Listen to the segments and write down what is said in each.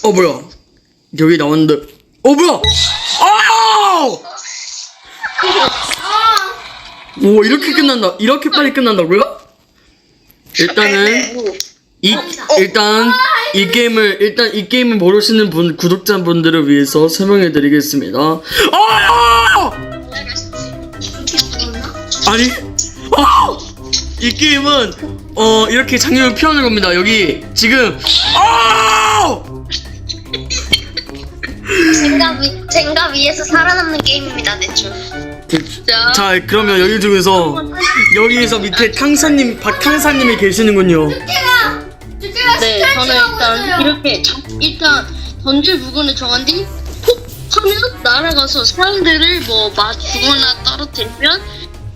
뭐야? 여기 나왔는데. 뭐야? 오, 이렇게 끝난다. 이렇게 빨리 끝난다고요? 일단은 일단 이 게임을 모르시는 분 구독자분들을 위해서 설명해드리겠습니다. 아니, 이 게임은 이렇게 장면을 표현하는 겁니다. 여기 지금 젠가 위에서 살아남는 게임입니다, 대충. 자, 그러면 여기서 밑에 박탕사님이 계시는군요. 네, 저는 일단 던질 부분을 정한 뒤 폭 하면 날아가서 사람들을 죽거나 떨어뜨리면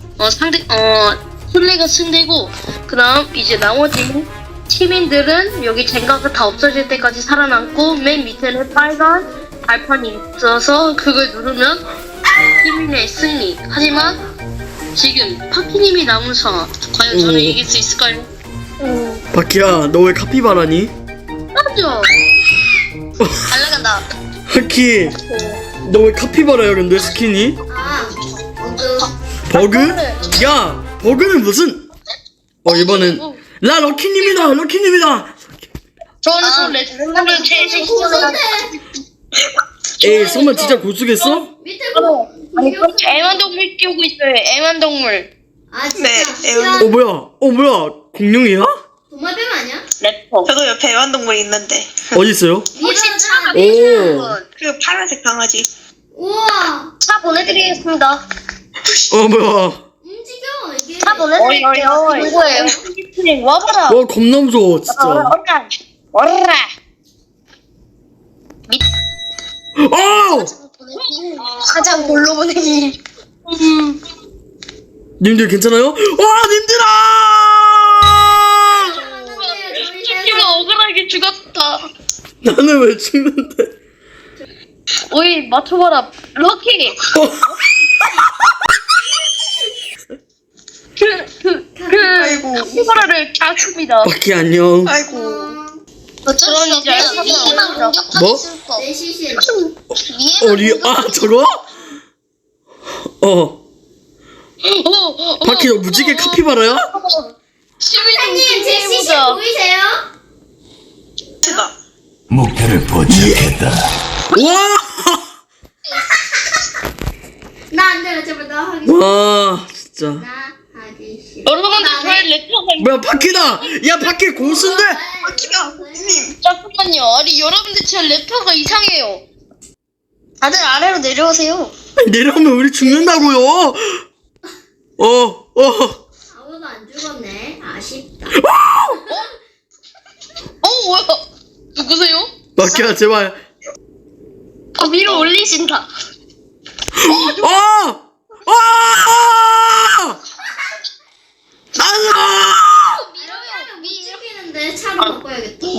플레이가 승되고, 그다음 이제 나머지 시민들은 여기 젠가가 다 없어질 때까지 살아남고, 맨 밑에는 빨간 발판이 있어서 그걸 누르면 시민의 승리. 하지만 지금 파키님이 남은 상황, 과연 저는 이길 수 있을까요? 바키야, 너 왜 카피바라니? 맞죠? 잘 나간다. 바키, 너 왜 카피바라야 근데 스킨이? 버그? 야, 버그는 무슨? 이번엔 럭키님이다. 저는 레트로를 제일 에이, 설마 진짜 고수겠어? 밑에 애완동물 키우고 있어요. 애완동물. 네, 뭐야? 공룡이야? 도마뱀 아니야? 래퍼. 저도 옆에 애완동물 있는데 어디 있어요? 훨씬 차가 오, 그 파란색 강아지. 우와, 차 보내드리겠습니다. 뭐야? 움직여 이게. 차 보내드릴게요. 이거예요. 와봐라. 와, 겁나 무서워 진짜. 와라. 가장 골로 보내기. 님들 괜찮아요? 님들아! 키가 억울하게 죽었다. 나는 왜 죽는데? 오이 맞춰봐라. 럭키. 아이고. 카피바라를 잡습니다. 바키 안녕. 아이고. 어쩔 수 없어. 위에만 공격하기 뭐? 슬퍼. 내 시신. 위에만 저거? 바키 너 무지개 카피바라야? 사장님, 제 시신 보이세요? 제가 목표를 포착했다. 와! 나 안 돼, 제발 나 하기. 와, 진짜. 나 하기 싫어. 여러분들 저의 래퍼가 뭐야, 바키다! 야, 바키 고수인데? 님 잠깐만요. 아니 여러분들 제 래퍼가 이상해요. 다들 아래로 내려오세요. 내려오면 우리 죽는다고요. 아무도 안 죽었네. 아쉽다. 뭐야? 누구세요? 바키야, 제발. 위로 올리신다. 이러면 못 죽이는데 차로 바꿔야겠다.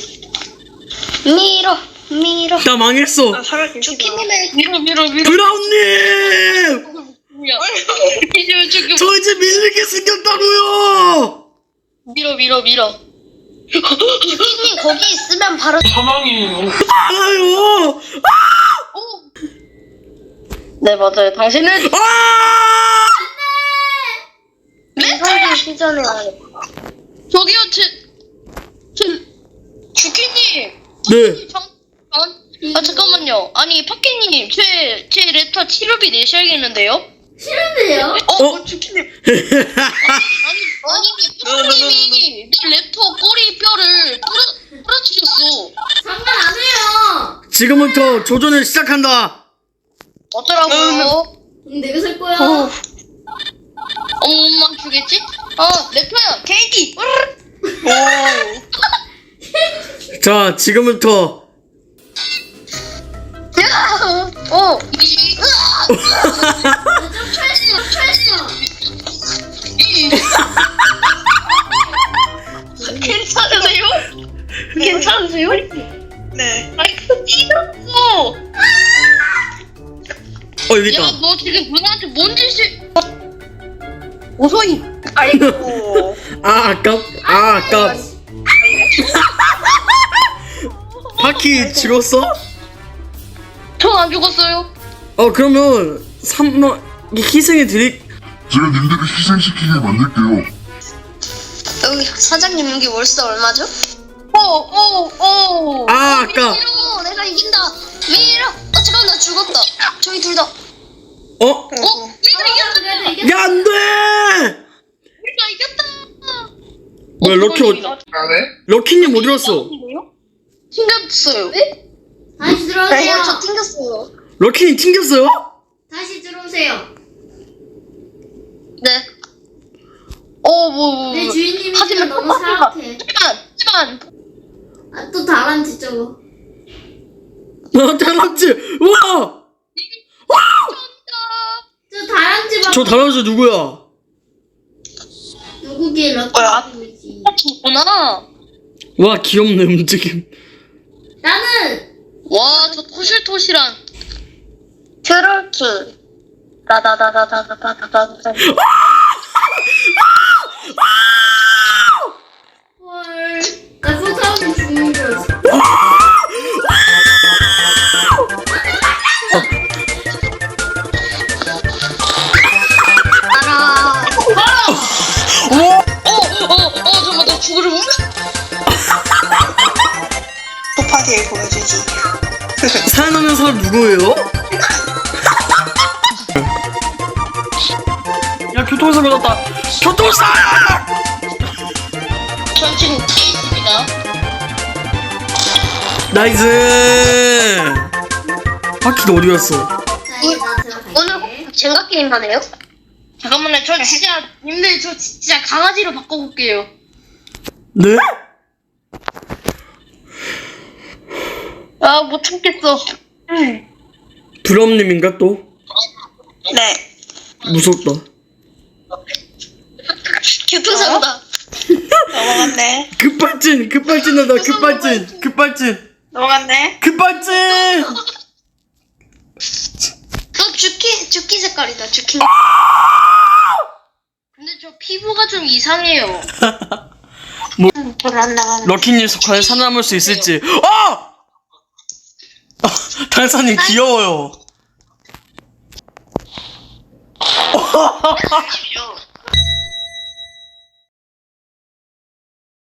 밀어. 나 망했어. 나 살아계시다. 주키님의 밀어. 브라운님! 뭐야? 이제 지금 저 이제 밀리게 생겼다고요. 밀어. 주키님 거기 있으면 바로 알아요. 네 맞아요. 당신은 인사를 시전에 저기요 제 주키님. 네. 잠깐만요. 아니 파키님 제 레터 치료비 내셔야겠는데요? 싫은데요? 주키님. 아니 파키님이 내 레터 꼬리뼈를 부러뜨렸어. 장난 안 해요. 지금부터 조전을 시작한다. 어쩌라고요? 내가 살 거야. 엄마 주겠지? 래퍼야 케이티. 자, 지금부터 괜찮으세요? 괜찮으세요? 네. 아니 그 찢었어. 여기 있다. 야 너 지금 누나한테 뭔 짓을? 아이고. 아깝. 바퀴 죽었어? 전 안 죽었어요. 그러면 3번 희생해 드릴. 제가 님들을 희생시키게 만들게요. 여기 사장님 여기 월세 얼마죠? 아까 밀어 내가 이긴다. 밀어. 잠깐 나 죽었다. 저희 둘 다. 그래도 이겼. 야 안돼. 우리가 이겼다. 뭐야 럭키님 어디 갔어? 튕겼어요. 다시 들어오세요. 저 튕겼어요. 럭키님 튕겼어요? 다시 들어오세요. 네. 내 주인님이 하지만 지금 너무 사악해. 하지만 아, 또 다람쥐 저거. 다람쥐. 우와. 저 다람쥐 봐. 저 다람쥐 누구야? 누구기 뭐야? 럭키지. 구나. 와 귀엽네 움직임. 나는 와, 저 토실토실한. 트롤키. 나나나나나나나나. 헐. 나 소사하면 죽는 줄 알았어. 알아. 잠깐만, 나 죽으려고? 소파티에 보여주지. 살아남는 사람 누구예요? 야 교통사고 났다. 교통사고! 전 지금 뒤에 있습니다. 나이스. 바퀴도 어디 갔어? 자, 이제 나 들어갈게. 오늘 젠가 게임 하네요? 잠깐만요, 저 진짜, 님들, 저 진짜 강아지로 바꿔볼게요. 네? 아, 못 참겠어. 드럼님인가 또? 네. 무섭다. 교통사고다. 넘어갔네. 급발진하다. 급발진. 넘어갔네. 급발진. 너 주키 색깔이다. 주키. 근데 저 피부가 좀 이상해요. 별로 안 나가는. 럭키님 과연 살아남을 수 있을지. 달사님 귀여워요.